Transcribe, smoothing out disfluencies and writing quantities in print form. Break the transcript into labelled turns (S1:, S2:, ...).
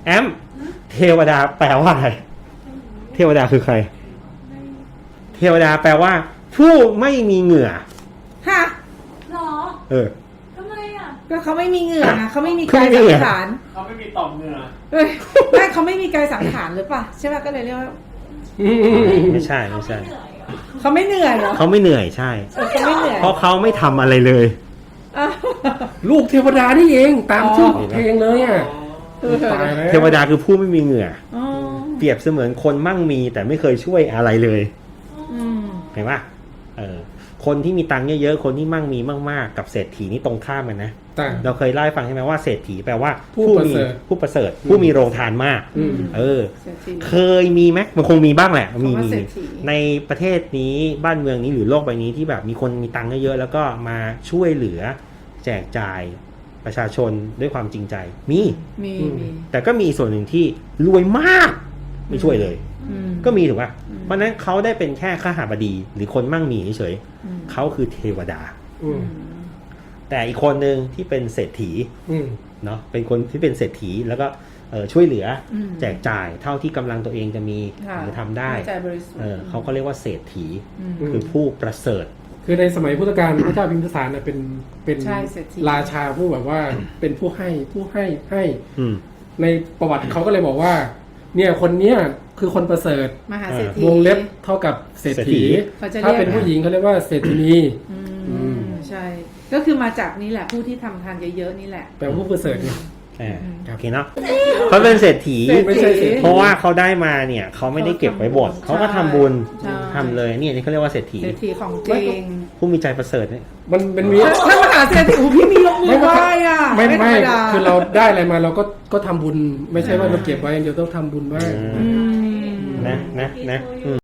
S1: แอมเทวดาแปลว่าอะไรเทวดาคือใครเทวดาแปลว่าผู้ไม่มีเหงื่อ
S2: ฮะ
S3: หรอทำไมอ่ะ
S2: ก็เขาไม่มีเหงื่อนะเขาไม่มีกายสังขาร
S4: เขาไม่มีต่อมเหงื่อ
S2: ไม่เขาไม่มีกายสังขารหรือเปล่าใช่ไหมก็เลยเรียกว่า
S1: ไม่ใช่
S2: เขาไม่เหนื่อยเหรอ
S1: เขาไม่เหนื่อยใช่
S2: เขาไม่เหนื่อย
S1: เพราะเขาไม่ทำอะไรเลย
S5: ลูกเทวดานี่เองตามชื่อเพลงเลยอ่ะ
S1: เทวดาคือผู้ไม่มีเหงื่อเปรียบเสมือนคนมั่งมีแต่ไม่เคยช่วยอะไรเลยเห็นปะคนที่มีตังค์เยอะๆคนที่มั่งมีมากๆกับเศรษฐีนี่ตรงข้ามกันนะเราเคยเล่าให้ฟังใช่ไหมว่าเศรษฐีแปลว่าผู้ประเสริฐผู้มีโรงทานมากเคยมีไหมมันคงมีบ้างแหละมีในประเทศนี้บ้านเมืองนี้หรือโลกใบนี้ที่แบบมีคนมีตังค์เยอะๆแล้วก็มาช่วยเหลือแจกจ่ายประชาชนด้วยความจริงใจมีแต่ก็มีส่วนหนึ่งที่รวยมากไม่ช่วยเลยก็มีถูกป่ะเพราะนั้นเขาได้เป็นแค่ข้าหาบดีหรือคนมั่งมีเฉยๆเขาคือเทวดาแต่อีกคนหนึ่งที่เป็นเศรษฐีเนาะเป็นคนที่เป็นเศรษฐีแล้วก็ช่วยเหลือแจกจ่ายเท่าที่กำลังตัวเองจะมีหรือทำได้เขาก็เรียกว่าเศรษฐีคือผู้ประเสริฐ
S5: คือในสมัยพุทธกาลพระเจ้าพิมพิสารเป็นราชาผู้แบบว่าเป็นผู้ให้ในประวัติเขาก็เลยบอกว่าเนี่ยคนเนี้ยคือคนประเสริฐ
S2: มหาเศรษฐี
S5: วงเล็บเท่ากับเศรษฐีถ้าเป็นผู้หญิงเขาเรียกว่าเศรษฐีนี
S2: ใช่ก็คือมาจากนี้แหละผู้ที่ทำทานเยอะๆนี่แหละ
S5: แปลว่าผู้ประเสริฐเนี่ย
S1: โอเคเนาะเขาเป็นเศรษฐีไม่ใช่เพราะว่าเขาได้มาเนี่ยเขาไม่ได้เก็บไว้หมดเขาก็ทำบุญทำเลยนี่เขาเรียกว่าเศรษฐี
S2: ของจริง
S1: ผู้มีใจประเสริฐเนี่ย
S5: มันมี
S2: ถ้ามหาเศรษฐีพี่มียกมือไหว้อ่ะ
S5: ไม่คือเราได้อะไรมาเราก็ทำบุญไม่ใช่ว่าเราเก็บไว้เดี๋ยวต้องทำบุญบ้าง
S1: นะ